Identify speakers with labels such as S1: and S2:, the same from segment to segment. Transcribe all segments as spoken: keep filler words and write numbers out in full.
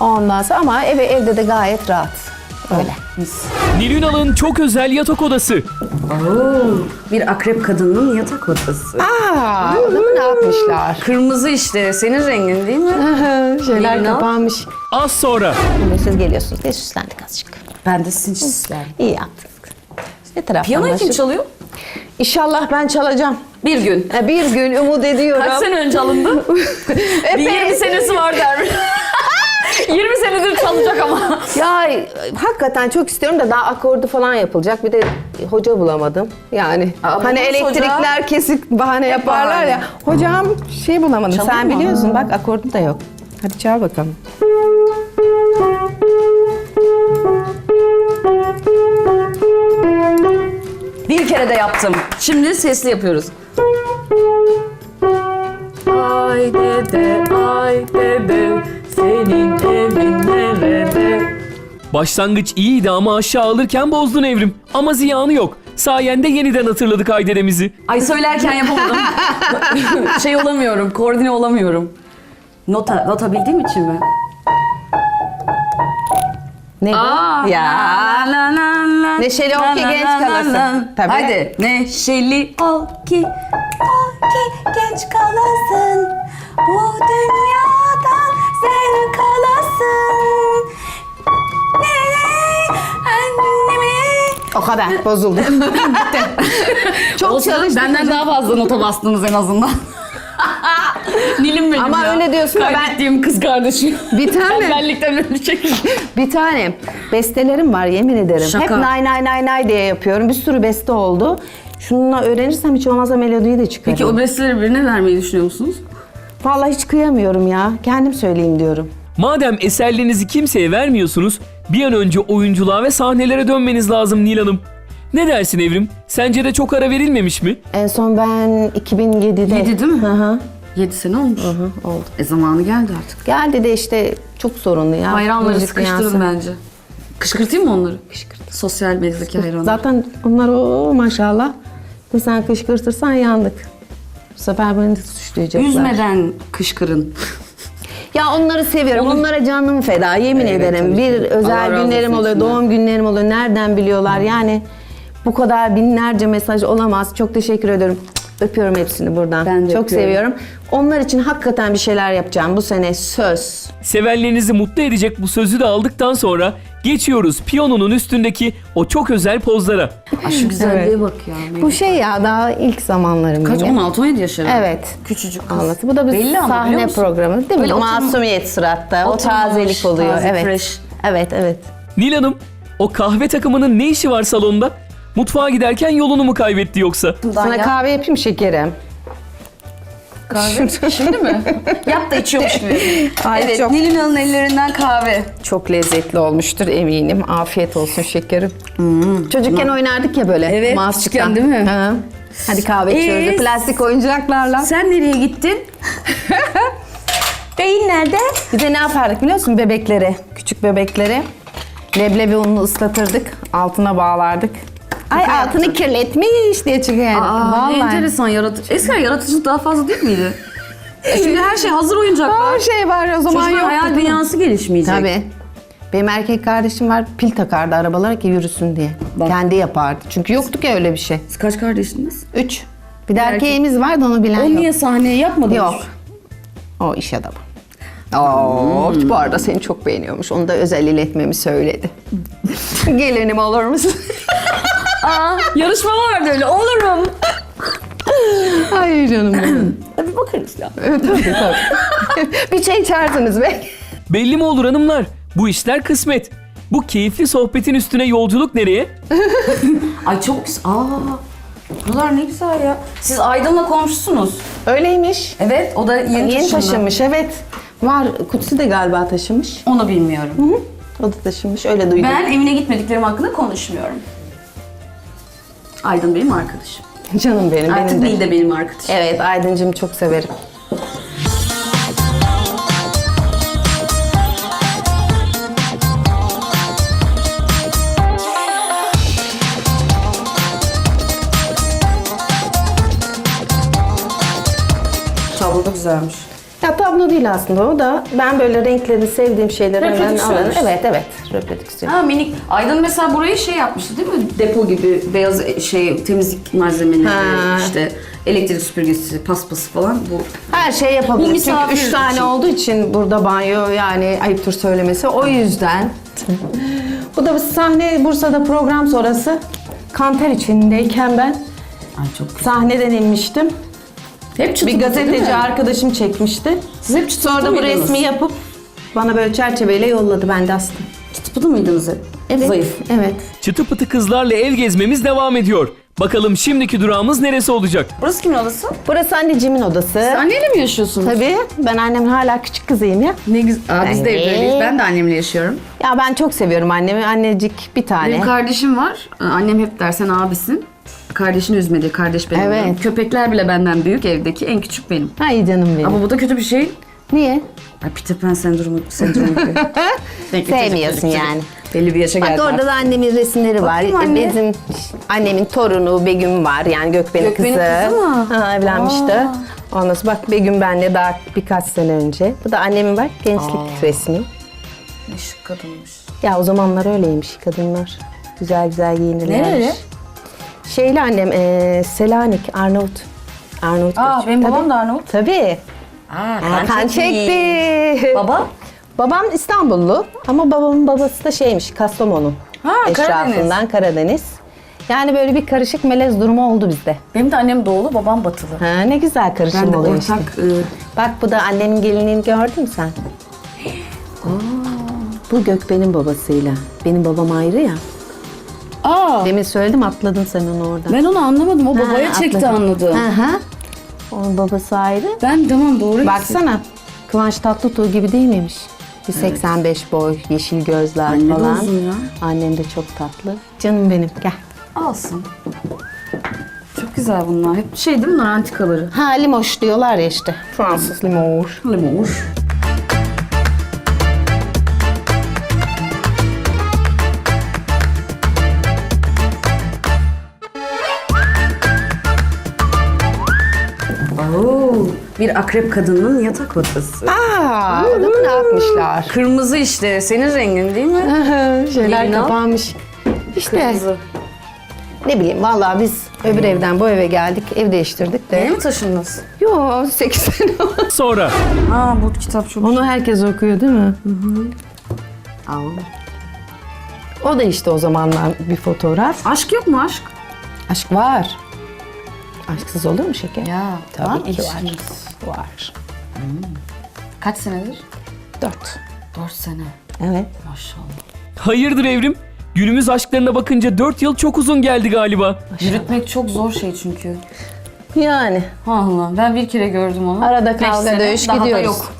S1: Ondan sonra ama eve, evde de gayet rahat. Öyle.
S2: Nil Ünal'ın çok özel yatak odası.
S3: Oo, bir akrep kadının yatak odası.
S1: Aa, adamı ne yapmışlar?
S3: Kırmızı işte. Senin rengin değil mi?
S1: Şeyler
S3: Nil Ünal.
S1: kapanmış.
S2: Az sonra.
S1: Şimdi siz geliyorsunuz diye süslendik azıcık.
S3: Ben de sizin için isterim.
S1: İyi yaptınız. Ne taraftan
S3: Piyanoyu kim
S1: başlayıp-
S3: çalıyor?
S1: İnşallah ben çalacağım.
S3: Bir gün.
S1: Ha, Bir gün umut ediyorum.
S3: Kaç sene önce alındı? Bir yirmi senesi var der. yirmi senedir çalacak ama.
S1: Ya hakikaten çok istiyorum da daha akordu falan yapılacak. Bir de hoca bulamadım. Yani
S3: Aa,
S1: hani
S3: buluruz
S1: elektrikler
S3: hoca.
S1: kesik bahane yaparlar ya. Hocam şey bulamadım.
S3: Çalayım
S1: Sen
S3: mı?
S1: biliyorsun bak akordu da yok. Hadi çal bakalım.
S3: Bir kere de yaptım. Şimdi sesli yapıyoruz. Ay dede, ay dede, senin evin nerede?
S2: Başlangıç iyiydi ama aşağı alırken bozdun Evrim. Ama ziyanı yok. Sayende yeniden hatırladık Aydere'mizi.
S3: Ay söylerken yapamadım. şey olamıyorum, koordine olamıyorum. Nota, nota bildiğim için mi?
S1: Ne bu? Ya.
S3: la, la, la,
S1: Neşeli ol
S3: la,
S1: ki
S3: la,
S1: genç
S3: la, la,
S1: kalasın.
S3: la.
S1: Tabii.
S3: Haydi. Neşeli ol ki, ol ki genç kalasın. Bu dünyadan zevk alasın. Ne, annemi.
S1: O kadar bozuldu. Çok
S3: Olsun,
S1: çalıştık.
S3: benden daha fazla nota bastınız en azından. Nilim benim
S1: Ama
S3: ya.
S1: öyle diyorsun da ben-
S3: Kaybettiğim kız kardeşim.
S1: Bir tane.
S3: Benlikten ölecek.
S1: Bir tane bestelerim var yemin ederim.
S3: Şaka.
S1: Hep nay nay nay nay diye yapıyorum. Bir sürü beste oldu. Şununla öğrenirsem hiç olmazsa melodiyi de çıkarırım.
S3: Peki o besteleri birine vermeyi düşünüyor musunuz?
S1: Vallahi hiç kıyamıyorum ya. Kendim söyleyeyim diyorum.
S2: Madem eserlerinizi kimseye vermiyorsunuz, bir an önce oyunculuğa ve sahnelere dönmeniz lazım Nil Hanım. Ne dersin Evrim? Sence de çok ara verilmemiş mi?
S1: En son ben iki bin yedide...
S3: Yedi değil mi?
S1: Hı hı.
S3: Yedi sene olmuş.
S1: Hı, oldu.
S3: E zamanı geldi artık.
S1: Geldi de işte çok sorunlu ya.
S3: Hayranları
S1: Müzik
S3: sıkıştırın
S1: dünyası.
S3: bence. Kışkırtayım mı onları? Kışkırt. Sosyal medyadaki hayranlar.
S1: Zaten onlar o maşallah. Bir sen kışkırtırsan yandık. Bu sefer beni de suçlayacaklar.
S3: Üzmeden kışkırın.
S1: Ya onları seviyorum.
S3: Onu-
S1: Onlara canım feda. Yemin
S3: Evet,
S1: ederim.
S3: tabii
S1: Bir
S3: ki. Allah
S1: özel
S3: razı
S1: günlerim
S3: olsun
S1: oluyor,
S3: içinden.
S1: doğum günlerim oluyor. Nereden biliyorlar? Yani bu kadar binlerce mesaj olamaz. Çok teşekkür ediyorum. Öpüyorum hepsini buradan.
S3: Ben de
S1: Çok
S3: öpüyorum.
S1: seviyorum. Onlar için hakikaten bir şeyler yapacağım bu sene söz.
S2: Sevenlerinizi mutlu edecek bu sözü de aldıktan sonra geçiyoruz piyanonun üstündeki o çok özel pozlara.
S3: Ay şu güzelliğe
S1: Evet.
S3: bak ya.
S1: Bu şey ya daha ilk zamanlarım
S3: Kaç?
S1: benim.
S3: on altı on yedi yaş herhalde.
S1: Evet.
S3: Küçücük kız.
S1: Anlatı. Bu da bir
S3: Belli ama biliyor
S1: sahne
S3: musun?
S1: programı değil mi?
S3: Böyle oturma-
S1: Masumiyet suratta. O
S3: Oturmamış,
S1: tazelik oluyor.
S3: taze,
S1: evet.
S3: fresh.
S1: Evet, evet.
S2: Nil Hanım, o kahve takımının ne işi var salonda? Mutfağa giderken yolunu mu kaybetti yoksa?
S1: Sana
S3: ya.
S1: kahve yapayım şekerim.
S3: Kahve. Şimdi mi? Yap da içiyormuş gibi.
S1: Ay,
S3: evet.
S1: çok-
S3: Nilin Hanım'ın ellerinden kahve.
S1: Çok lezzetli olmuştur eminim. Afiyet olsun şekerim. Çocukken oynardık ya böyle.
S3: Evet,
S1: Masçıktan.
S3: küçükken değil mi?
S1: Hı. Hadi kahve içiyoruz.
S3: Ee,
S1: Plastik oyuncaklarla.
S3: Sen nereye gittin? Beyin nerede?
S1: Bir de ne yapardık biliyor musun bebekleri? Küçük bebekleri. Leblebi ununu ıslatırdık. Altına bağlardık. Ay
S3: Şaka
S1: altını
S3: yaptın.
S1: kirletmiş diye çıkıyor yani.
S3: Aa, ne
S1: Vallahi.
S3: enteresan yaratıcı. Eskiden yaratıcılık daha fazla değil miydi? E Şimdi her şey hazır oyuncaklar.
S1: Her şey var o zaman
S3: Çocuğun
S1: yok.
S3: hayal dünyası gelişmeyecek.
S1: Tabii. Benim erkek kardeşim var pil takardı arabalara ki yürüsün diye.
S3: Bak.
S1: Kendi yapardı. Çünkü yoktu ki öyle bir şey.
S3: Siz kaç kardeşiniz?
S1: Üç. Bir de
S3: erkek-
S1: erkeğimiz vardı onu bilen
S3: O
S1: yok.
S3: niye sahneye yapmadınız?
S1: Yok. O iş adamı. Oo, bu arada seni çok beğeniyormuş. Onu da özel iletmemi söyledi. Gelinim olur musun?
S3: Aa, yarışma vardı öyle. Olurum.
S1: Ay canım benim.
S3: Hadi bakarız ya.
S1: Evet, tabii tabii. Bir çay içersiniz be.
S2: Belli mi olur hanımlar? Bu işler kısmet. Bu keyifli sohbetin üstüne yolculuk nereye?
S3: Ay çok güzel. Aa, buralar ne güzel ya. Siz Aydın'la komşusunuz.
S1: Öyleymiş.
S3: Evet, o da yeni,
S1: Yeni
S3: taşındı.
S1: taşınmış evet. Var. Kutsi de galiba taşınmış.
S3: Onu bilmiyorum.
S1: O da taşınmış. Öyle duydum.
S3: Ben evine gitmediklerim hakkında konuşmuyorum. Aydın benim arkadaşım.
S1: Canım benim.
S3: Artık
S1: benim de.
S3: Nil de benim arkadaşım.
S1: Evet Aydıncığım çok severim.
S3: Tablo da güzelmiş.
S1: Ya tablo değil aslında o da. Ben böyle renklerini sevdiğim şeyleri hemen
S3: Reprodüksiyon
S1: alırım.
S3: işte.
S1: Evet evet. Reprodüksiyon.
S3: Ha minik. Aydın mesela burayı şey yapmıştı değil mi? Depo gibi beyaz şey temizlik malzemeleri,
S1: Ha.
S3: işte elektrik süpürgesi, paspası falan bu.
S1: Her şey
S3: Bu
S1: yapabiliriz. Çünkü
S3: misafir
S1: üç tane
S3: için.
S1: olduğu için burada banyo yani ayıptır söylemesi. O yüzden. Bu da bir sahne Bursa'da program sonrası. Kanter içindeyken ben
S3: Ay çok güzel.
S1: sahneden inmiştim.
S3: Hep çıtı
S1: Bir
S3: pıtı değil
S1: gazeteci
S3: mi?
S1: arkadaşım çekmişti.
S3: Siz hep çıtı
S1: Sonra
S3: pıtı
S1: da bu
S3: mıydınız?
S1: resmi yapıp bana böyle çerçeveyle yolladı. Ben de astım.
S3: Çıtı pıtı mıydınız hep?
S1: Evet.
S3: Zayıf.
S1: Evet.
S2: Çıtı pıtı kızlarla ev gezmemiz devam ediyor. Bakalım şimdiki durağımız neresi olacak?
S3: Burası kimin odası?
S1: Burası anneciğimin odası.
S3: Anneyle mi yaşıyorsunuz?
S1: Tabii. Ben annemin hala küçük kızıyım ya.
S3: Ne güzel. Aa, biz de
S1: Anne.
S3: evleniyoruz. Ben de annemle yaşıyorum.
S1: Ya ben çok seviyorum annemi. Annecik bir tane.
S3: Benim kardeşim var. Annem hep der sen abisin. Kardeşini üzme diye. Kardeş benim.
S1: Evet.
S3: diyor. Köpekler bile benden büyük evdeki. En küçük benim.
S1: Ay canım benim.
S3: Ama bu da kötü bir şey.
S1: Niye?
S3: Ay Peter Pan sendromu, sendromu gibi. Renkli
S1: Sevmiyorsun
S3: çocuk, çocuk,
S1: yani.
S3: çocuk. Belli bir yaşa
S1: Bak
S3: geldi
S1: orada
S3: artık.
S1: da annemin resimleri var.
S3: Bakayım anne.
S1: Bizim annemin torunu Begüm var. Yani Gökben'in
S3: Gökben'in
S1: kızı.
S3: kızı mı?
S1: Ha, evlenmişti. Ondan sonra bak Begüm benle daha birkaç sene önce. Bu da annemin bak gençlik resmi.
S3: Ne şık kadınmış.
S1: Ya o zamanlar öyleymiş kadınlar. Güzel güzel giyinirlermiş.
S3: Nereli?
S1: Şeyli annem e, Selanik, Arnavut. Arnavut
S3: Aa
S1: göçü.
S3: benim
S1: Tabii.
S3: babam da Arnavut.
S1: Tabii.
S3: Aa
S1: Aa, kan çekti.
S3: Baba?
S1: Babam İstanbullu ama babamın babası da şeymiş Kastamonu.
S3: Ha,
S1: Eşrafından Karadeniz. Yani böyle bir karışık melez durumu oldu bizde.
S3: Benim de annem doğulu, babam batılı.
S1: Ha, ne güzel karışım
S3: Ben de
S1: oluyor işte.
S3: ortak... e,
S1: Bak bu da annemin gelinliğini gördün mü sen? Bu Gökben'in babasıyla. Benim babam ayrı ya.
S3: Aa,
S1: Demin söyledim atladın sen onu orada.
S3: ben onu anlamadım. O babaya
S1: Ha,
S3: çekti
S1: atladım.
S3: anladım.
S1: Hı hı. Onun babası ayrı.
S3: Ben tamam doğru.
S1: Baksana Kıvanç Tatlıtuğ gibi değil miymiş? Bir seksen beş boy, yeşil gözler
S3: Anne de
S1: falan.
S3: uzun ya.
S1: Annem de çok tatlı. Canım benim gel.
S3: Alsın. Çok güzel bunlar. Hep şey değil mi bunlar antikaları?
S1: Ha limoş diyorlar ya işte. Fransız limoş.
S3: Limoş. Oo, bir akrep kadının yatak odası.
S1: Aa, adamı ne yapmışlar?
S3: Kırmızı işte. Senin rengin değil mi?
S1: Şeyler
S3: Yerini al.
S1: kapanmış. İşte
S3: Kırmızı.
S1: ne bileyim vallahi biz öbür evden bu eve geldik. Ev değiştirdik de.
S3: Yeni mi taşındınız?
S1: Yo sekiz sene oldu.
S2: Sonra
S3: Aa bu kitap çok...
S1: Onu herkes okuyor değil mi?
S3: Aa.
S1: O da işte o zamanlar bir fotoğraf.
S3: Aşk yok mu aşk?
S1: Aşk var. Aşksız olur mu şeker?
S3: Ya
S1: Tabii
S3: var mı
S1: ki var.
S3: ilişkiniz?
S1: Var.
S3: Kaç senedir?
S1: Dört.
S3: Dört sene.
S1: Evet.
S3: Maşallah.
S2: hayırdır evrim? Günümüz aşklarına bakınca dört yıl çok uzun geldi galiba.
S3: Yürütmek çok zor şey çünkü.
S1: Yani.
S3: Allah ben bir kere gördüm onu.
S1: Arada
S3: Beş
S1: kavga
S3: sene,
S1: dövüş
S3: daha da
S1: gidiyoruz.
S3: yok.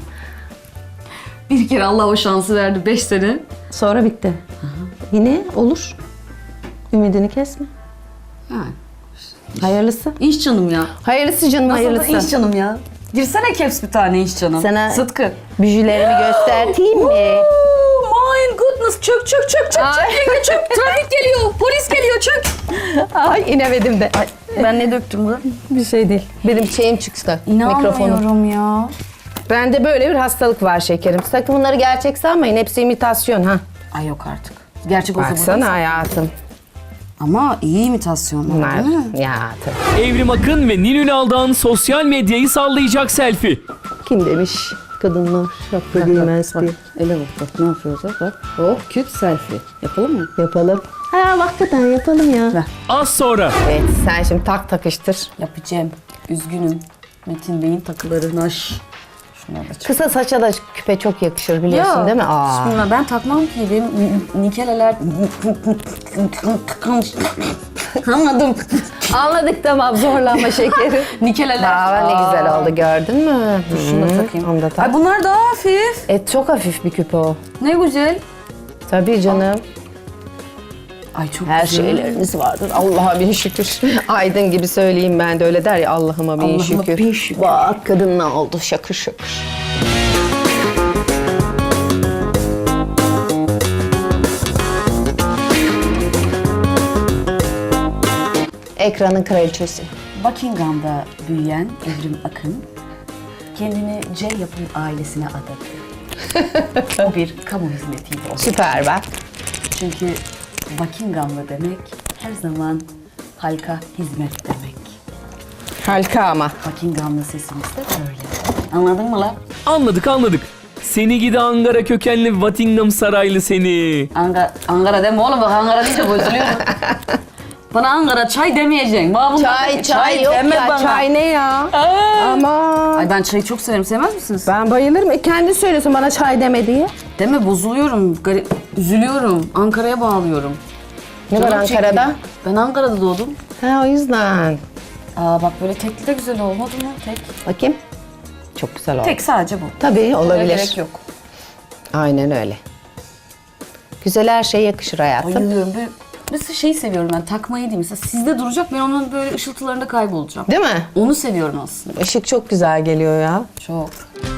S3: Bir kere Allah o şansı verdi. Beş sene.
S1: Sonra bitti. Yine olur. Ümidini kesme.
S3: Yani.
S1: Hayırlısı.
S3: İş canım ya.
S1: Hayırlısı canım
S3: Nasıl da
S1: hayırlısı.
S3: iş canım ya. Girsene caps bir tane iş canım.
S1: Sana-
S3: Sıtkı.
S1: Büjülerimi göstereyim mi?
S3: Oh my goodness. Çök çök çök çök.
S1: Ay.
S3: Çök yenge çök. Trafik geliyor. Polis geliyor çök.
S1: Ay inemedim de. Ay,
S3: Ben ne döktüm bu?
S1: bir şey değil. Benim şeyim çıktı. Mikrofonum.
S3: İnanmıyorum ya.
S1: Bende böyle bir hastalık var şekerim. Sakın bunları gerçek sanmayın. Hepsi imitasyon ha.
S3: Ay yok artık. Gerçek olsa
S1: Baksana
S3: burada-
S1: hayatım.
S3: Ama iyi imitasyon var
S1: Bunlar.
S3: değil mi?
S1: Ya tabii.
S2: Evrim Akın ve Nilün Aldağ'ın sosyal medyayı sallayacak selfie.
S1: Kim demiş? Kadınlar şapka giymez diye.
S3: Ele bak bak ne yapıyoruz bak bak. Oh cute selfie. Yapalım mı?
S1: Yapalım. Ha hakikaten yapalım ya.
S3: Ver.
S2: Az sonra
S1: Evet sen şimdi tak takıştır.
S3: Yapacağım. Üzgünüm. Metin Bey'in takıları naş. Şuna da çık.
S1: Kısa saça da küpe çok yakışır biliyorsun değil mi? Aa.
S3: Şimdi ben takmam ki. Benim nikeleler... Anladım.
S1: Anladık tamam zorlama şekeri.
S3: Nikeleler.
S1: Aa, ne güzel oldu gördün mü?
S3: Şunu da
S1: Hı,
S3: takayım.
S1: Onu da tak.
S3: Ay bunlar daha hafif.
S1: E, çok hafif bir küpe o.
S3: Ne güzel.
S1: Tabii canım.
S3: Ay çok
S1: Her
S3: güzel.
S1: şeyleriniz vardır. Allah'a bin şükür. Aydın gibi söyleyeyim ben de öyle der ya Allah'ıma bin
S3: Allah'ıma
S1: şükür.
S3: bin şükür.
S1: Bak kadın ne oldu şakır şakır. Ekranın kraliçesi.
S3: Buckingham'da büyüyen Evrim Akın. kendini C Yapım ailesine adadı. O bir kamu hizmetiydi o.
S1: Süper be.
S3: Çünkü Buckingham'lı demek her zaman halka hizmet demek.
S1: Harika ama.
S3: Buckingham'lı sesimiz de böyle. Anladın mı lan?
S2: Anladık anladık. Seni gidi Ankara kökenli Buckingham Saraylı seni.
S3: Ankara, Ankara deme oğlum, bak Ankara deyince bozuluyorum. Bana Ankara çay demeyeceksin. Bana bunlar
S1: Çay,
S3: de-
S1: çay, yok
S3: deme
S1: ya.
S3: bana.
S1: Çay ne ya? Aman.
S3: Ay ben çayı çok severim. Sevmez misiniz?
S1: Ben bayılırım. E kendi söylüyorsun bana çay deme diye.
S3: Deme, bozuluyorum. Garip, üzülüyorum. Ankara'ya bağlıyorum.
S1: Ne var
S3: Canım
S1: Ankara'da?
S3: çekiyor. Ben Ankara'da doğdum.
S1: Ha o yüzden.
S3: Aa bak böyle tekli de güzel olmadı mı? Tek.
S1: Bakayım. Çok güzel oldu.
S3: Tek sadece bu.
S1: Tabii olabilir.
S3: Gerek yok.
S1: Aynen öyle. Güzel her şey yakışır hayatım.
S3: Bayılıyorum. Böyle, mesela şeyi seviyorum ben, takmayı değil. Mesela sizde duracak, ben onun böyle ışıltılarında kaybolacağım.
S1: Değil mi?
S3: Onu seviyorum aslında.
S1: Işık çok güzel geliyor ya.
S3: Çok.